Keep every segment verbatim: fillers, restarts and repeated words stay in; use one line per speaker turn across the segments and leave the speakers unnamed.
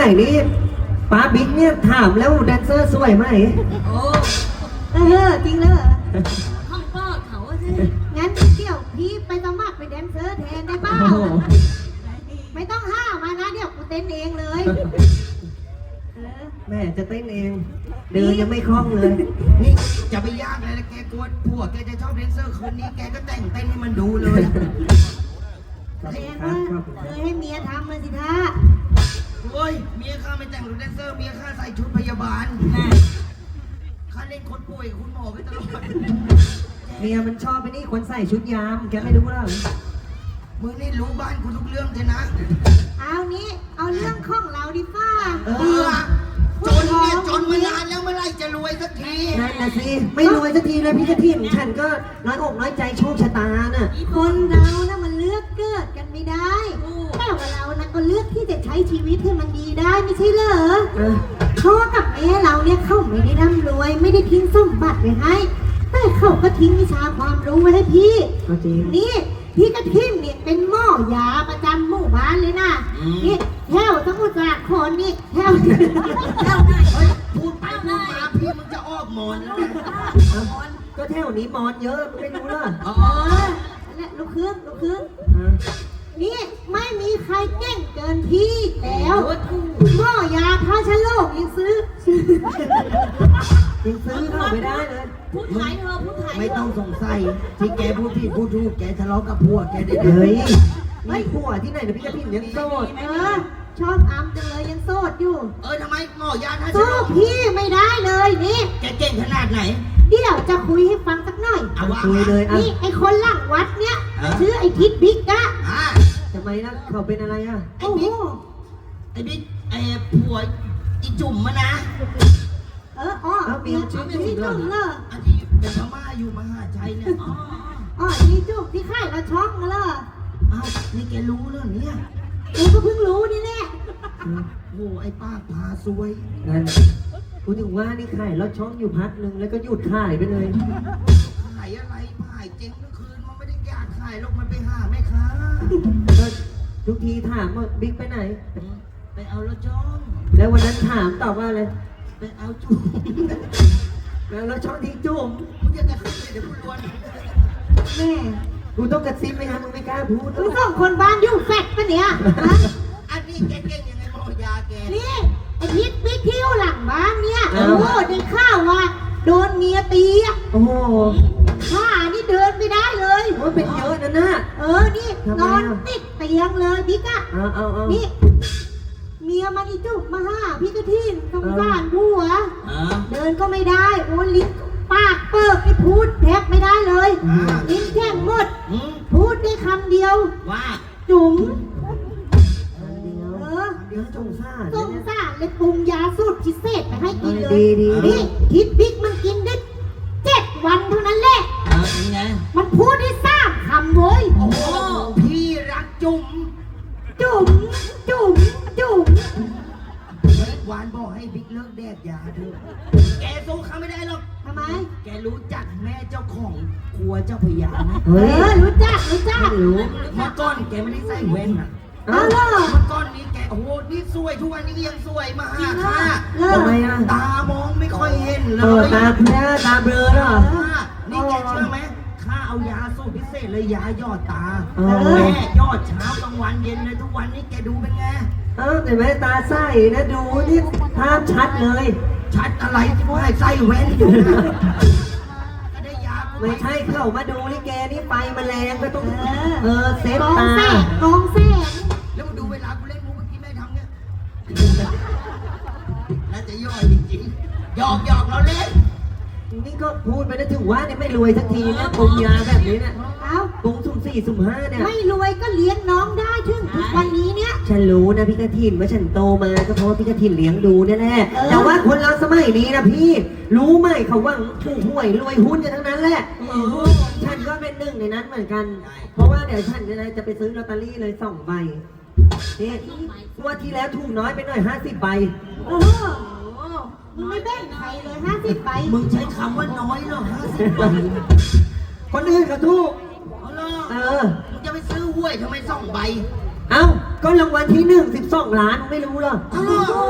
มัยนี้ป้าบิ๊กเนี่ยถามแล้วแดนเซอร์สวยไหม
โอ้
เออจริงเลย
ห้องป้อเขาสิ
งั้นเดี๋ยวพี่ไปสมัครเป็นแดนเซอร์แทนได้เปล่าไม่ต้องห้ามานะเดี๋ยวกูเต้นเองเลย
แม่จะเต้นเองเดินยังไม่คล่องเลย
นี่จะไปยากเลยนะแกกลัวผัวแกจะชอบแดนเซอร์คืนนี้แกก็แต่งเต้นให้มันดูเลย
แสดงว่าเคยให้เมียทำเลยสิท่า
โอ้ยเมียข้าไม่แต่งหรือแดนเซอร์เมียข้าใส่ชุดพยาบาลข้าเล่นคนป่วยคุณหมอไปตลอด
เมียมันชอบไปนี่คนใส่ชุดยามแกไม่รู้หรอ
มึงนี่รู้บ้านกูทุกเรื่องเลยนะ
เอานี้เอาเรื่องของเราดิป้า
เออจนเนี่ยจนมานานแล้วเมื่อไรจะรวยสักที
นั่นนะสิไม่รวยสักทีเลยพี่กระถิ่นฉันก็น้อยอกน้อยใจโชคชะตาน่ะ
คนเรานะมันเลือกเกิดกันไม่ได้แต่ว่าเรานะก็เลือกที่จะใช้ชีวิตให้มันดีได้ไม่ใช่เหรอพ่อกับแม่เราเนี่ยเขาไม่ได้ร่ำรวยไม่ได้ทิ้งสมบัติไว้ให้แต่เขาก็ทิ้งวิชาความรู้ไว้ให้พี่นี่พี่กระทิ่มเนี่ยเป็นหม้อยาประจำหมู่บ้านเลยนะนี่แถวสมุทรสาครนี่แถว
แถวไหนพูดไปพูดมาพี่มึงจะออกมอนแล้ว
ก็แถวนี้มอนเยอะไม่รู้ล่ะ
อ๋อและลูกเครื่องลูกเครื่องนี่ไม่มีใครเก่งเกินพี่แล้วหม้อยาพาชโลกยังซื้อ
ยังซื้อเข้าไม่ได้เลย
พูดไทยเธอพูดไทย
ไม่ต้องสงสัยที่แกพูดผิดพูดถูกแกทะเลาะกับผัวแกได้
เลยไม่ผัวที่ไหนนะพี่กระถิ่นยังโสด
เออชอบอ้ำจังเลยยังโสดอยู่
เออทำไมหมอยาท่า
โสดพี่ไม่ได้เลยนี่
แกเก่งขนาดไหน
เดี๋ยวจะคุยให้ฟังสักหน่อย
เอา
คุยเลย
นี่ไอคนหลังวัดเนี้ยชื่อไอทิดบิ๊กอะ
ทำไมนะเขาเป็นอะไรอะ
ไอบิ๊กไอบิ๊กไอผัวอีจุ่มมานะ
เอออ๋อเมียชื่อจุ่มเหรอ
อันที่เป็นพม่าอยู่มหาชัยเนี่ยอ๋อ
อ๋อนี่จุ่มที่ค่ายเราช่องเหรอ
อ้าวนี่แกรู้เรื่องนี้
กูก็เพิ่งรู้นี่แหละ
โอ้ไอ้ป้าพาซวย
นั่นกูถึงว่านี่ขายรถช่องอยู่พักนึงแล้วก็หยุดขายไปเลย
ขายอะไรขายเจ๊งเมื่อคืนมันไม่ได้อยากขายหรอกมันไปหาแม่ค้า
ทุกทีถามว่าบิ๊กไปไหน
ไปเอารถช่อง
แล้ววันนั้นถามตอบว่าอะไร
ไปเอาจุ่ม
แล้วรถช่องที่จุ่ม
มึงจะกระซิบเลยเดี๋ยวกูล้วน
แม่
กูต้องกระซิบไหมฮะมึงไม่กล้าพูด
มึงสองคนบ้านอยู่แฟดปะเนี่ย
อันนี้แกเก่งยังไงหมอยาแก
นี่ไอ้พิษบิ๊กที่อยู่หลังบ้านเนี่ยโอ้โหได้ข่าวว่าโดนเมียตีอ่ะ
โอ้โห
ข้านี่เดินไม่ได้เลย
โอ้เป็นเยอะนะน่ะ
เออนี่นอนติดเตียงเลยบิ๊กอ่ะ
เอาเอาเอา
นี่เมียมันอีจุกมาห้าพี่กระทินสงสารผัวเดินก็ไม่ได้โอ้ลิ้นปากเปิกไม่พูดแทบไม่ได้เลยลิ้นแข็งหมดพูดได้คำเดียว
ว่า
จุ๋ม
เออเดี๋ยวสงสาร
สงสารเลยปรุงยาสูตรพิเศษไปให้กินเลยนี่คิดบิ๊กมันกินได้เจ็ดวันเท่านั้นแหละมันพูดได้สามคำเว้ย
โอ้พี่รักจุ๋ม
จุ๋มจุ๋มจุ๋ม
หวานบอกให้บิ๊กเลิกแดกยาเถอะแกสู้เขาไม่ได้หรอก
ทำไม
แกรู้จักแม่เจ้าของครัวเจ้าพญาไหม
เออรู้จักรู้จัก
รู้
เมื่อก่อนแกไม่ได้ใส่แว่นนะ
อ้าวเหรอ
เมื่อก่อนนี้แกโอ้โหนี่สวยทุกวันนี้ยังสวยมาหาข้า
ทำไมอ่ะ
ตามองไม่ค่อยเห็นเล
ยตาแพ้ตาเบลอเหรอ
นี่แกเชื่อไหมข้าเอายาสูตรพิเศษเลยยายอดตาแม่ยอดเช้ากลางวันเย็นเลยทุกวันนี้แกดูเป็นไง
เออแต่แม่ตาใสนะดูนี่ภาพชัดเลย
ชัดอะไรที่ว่าใส่แว่นอยู่ก็ได้ยา
ไม่ใช่เข้ามาดูลิเกนี่ไฟแมลงก็ต้องเออเซฟตา
กองแสง
แล้วมาดูเวลากูเล่นมูเมื่อกี้แม่ทำเนี่ยน่าจะย่อยจริงๆหยอกหยอกเราเล่น
นี่ก็พูดไปนะถึงว่าเนี่ยไม่รวยสักทีนะปรุงยาแบบนี้เนี่ย
เอ้า
ปรุงสุ่มสี่สุ่มห้าเนี่ย
ไม่รวยก็เลี้ยงน้องได้ถึงทุกวันนี้เนี่ย
ฉันรู้นะพี่กระถินว่าฉันโตมาก็เพราะว่าพี่กระถินเลี้ยงดูแน่ๆแต่ว่าคนเราสมัยนี้นะพี่รู้ไหมเขาว่าถูกหวยรวยหุ้นกันทั้งนั้นแหละฉันก็เป็นหนึ่งในนั้นเหมือนกันเพราะว่าเดี๋ยวฉันจะไปซื้อลอตเตอรี่เลยสองใบนี่ว่าที่แล้วถูกน้อยไปหน่อยห้าสิบใบ
เออมึงไม่แบ่งใครเลยห้าสิบใบ
มึงใช้คำว่าน้อยหรอห้าสิบใบ
คนอื่นเขาถูก
เออมึงจะไปซื้อหวยทำไมสองใบ
เอ้าก็รางวัลที่หนึ่งสิบสองล้านไม่รู้เหรอ
อ้าว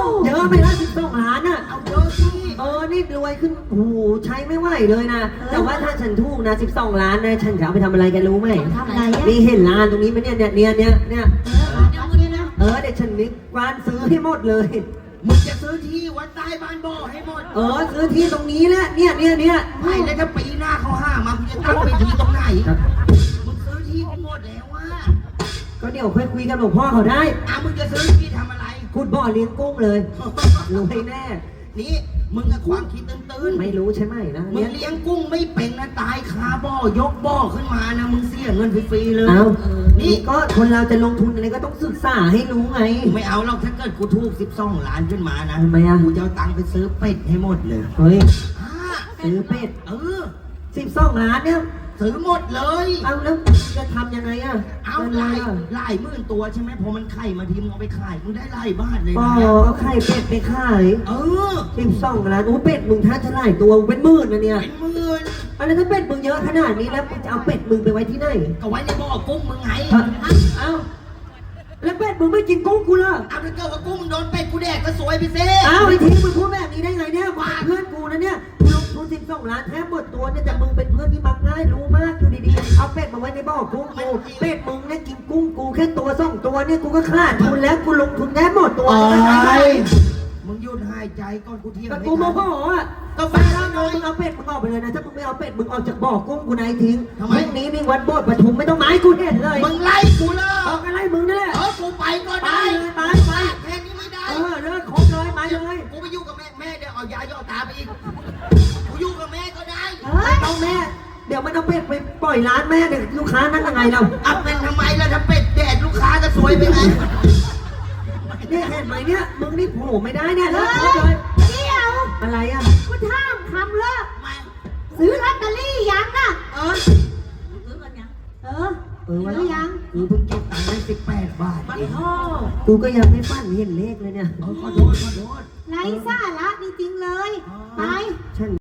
เยอะไปละสิบสองล้านอ่ะ
เอาเยอะสิ
เออ นี่รวยขึ้นโอ้โหใช้ไม่ไหวเลยนะ แต่ว่าถ้าฉันถูกนะสิบสองล้านนะ ฉันจะเอาไปทำอะไรกันรู้ไหม
ทำอะไรอ่ะ
นี่เห็นร้านตรงนี้ไหมเนี่ยเนี่ยเนี่ยเนี่ยเนี่ย
เออมาเอาเนี่ยนะ
เออเดี๋ยวฉันนี่กวานซื้อให้หมดเลย
มึงจะซื้อที่วัดใต้บ้านบ่อให้หมด
เออซื้อที่ตรงนี้แหละ เนี่ยเนี่ยเนี่ย
ไม่แล้วถ้าปีหน้าเขาห้ามามึงจะตั้งไปที่ตรงไหน มึงซื้อที่กูหมดแล้วว่า
ก็เดี๋ยวค่อยคุยกับหลวงพ่อเขาได้
อ่ะมึงจะซื้อที่ทำอะไร
ขุดบ่อเลี้ยงกุ้งเลยรวยแน่
นี่มึงกับความคิดตื้นๆ
ไม่รู้ใช่ไหมนะ
มึง
เนี่ย
เลี้ยงกุ้งไม่เป็นนะตายคาบ่อยกบ่อขึ้นมานะมึงเสียเงินฟรีๆเลย
เอา
นี่
นี่ก็คนเราจะลงทุนอะไรก็ต้องศึกษาให้รู้ไง
กูไม่เอาหรอกถ้าเกิดกูถูกสิบสองล้านขึ้นมานะ
ทำไมอ่ะ
กูจะเอาตังค์ไปซื้อเป็ดให้หมดเลย
เฮ้ย
อ่า
ซื้อเป็ด
เออ
สิบสองล้านเนี่ย
ซื้อหมดเลย
เอาแล้วจะทำยังไงอ่ะ
เอา
งิน
หลาย
อะ
หลายหมื่นตัวใช่ไหมพอมันไข่มาทีมึงเอาไปขายมึงได้หลายบาทเลย
อ๋อ
นะ
เอาไข่เป็ดไปขาย
เออ
สิบสองล้านโอ้เป็ดมึงท่าจะหลายตัวมึงเป็นหมื่นนะเนี่ย
เป็นหมื่น
อะไรถ้าเป็ดมึงเยอะขนาดนี้แล้วมึงจะเอาเป็ดมึงไปไว้ที่ไหน
ก็ไว้ในบ่อกุ้งมึงไง
ฮะเอ้าแล้วเป็ดมึงไม่กินกุ้งกูเหรอ
เอาถ้าเกิดว่ากุ้งมึงโดนเป็ดกูแดกก็สวยไปสิ
เอ้าไอ้ทีมึงพูดแบบนี้ได้ไงเนี่ยว่าเพื่อนกูนะเนี่ยกูลงทุนสิบสองล้านแทบหมดตัวเนี่ยแต่มึงเป็นเพื่อนที่มักง่ายรู้มากดูดีๆเอาเป็ดมาไว้ในบ่อกุ้งกูเป็ดมึงเนี่ยกินกุ้งกูแค่ตัวสองตัวเนี่ยกูก็ขาดทุนแล้วกูลงทุนแทบหมดตัว
โอ้
แล้วนะ
ยมึงหยุดหายใจก่อนกูเที่ยง
แต่
ไม่
กูโมโห
ทัน
อ่ะ
ก็
ก็
แฟ
แฟ
น
น
เรา
เรา
หน่อย
มึงเอาเป็ดมึงออกไปเลยนะถ้ามึงไม่เอาเป็ดมึงออกจากบ่อกุ้งกูนายทิ้ง
ทำไม
พรุ่งนี้มีวัดโบสถ์ปทุมไม่ต้องมาให้กูเห็นเลย
มึงไล่กูเลย
ออกอะไรมึงนี่แหละ
เออกูไปก็
ไป
ได้
เลยไปไป
แค่นี้ไม่ได้
เออเลิกคบเลยมาเลย
กูไปอยู่กับแม่แม่เดี๋ยวเอายาย่อตาไปอีกกูอยู่กับแม่ก็ได้
เฮ้ย
ต้องแม่ เดี๋ยวมันเอาเป็ดไปปล่อยร้านแม่เดี๋ยวลูกค้านั่งยังไงเรา
อัพเป็นทำไมล่ะถ้าเป็ดแดดลูกค้าก็สวยไปไง
เนี่ยเห็นไหมเนี่ยมึงนี่โผล่ไม่ได้เนี่ยเลิกคบเลย
เดี๋ยว
อะไรอ่ะ
กูถามคำเลิก
ไม่
ซื้อลอตเตอรี่ยังน่ะ
เออ
ซื้อกันยัง
เออ
เออวะ
ซื้อยัง
กูเพิ่งเก็บตังค์ได้สิบแปดบาท
มัน
เอง
พ่อ
กูก็ยังไม่ปั้นเห็นเลขเลยเนี่ย
เออขอโทษขอโทษ
ไร้สาระจริงๆเลย ไป
ฉัน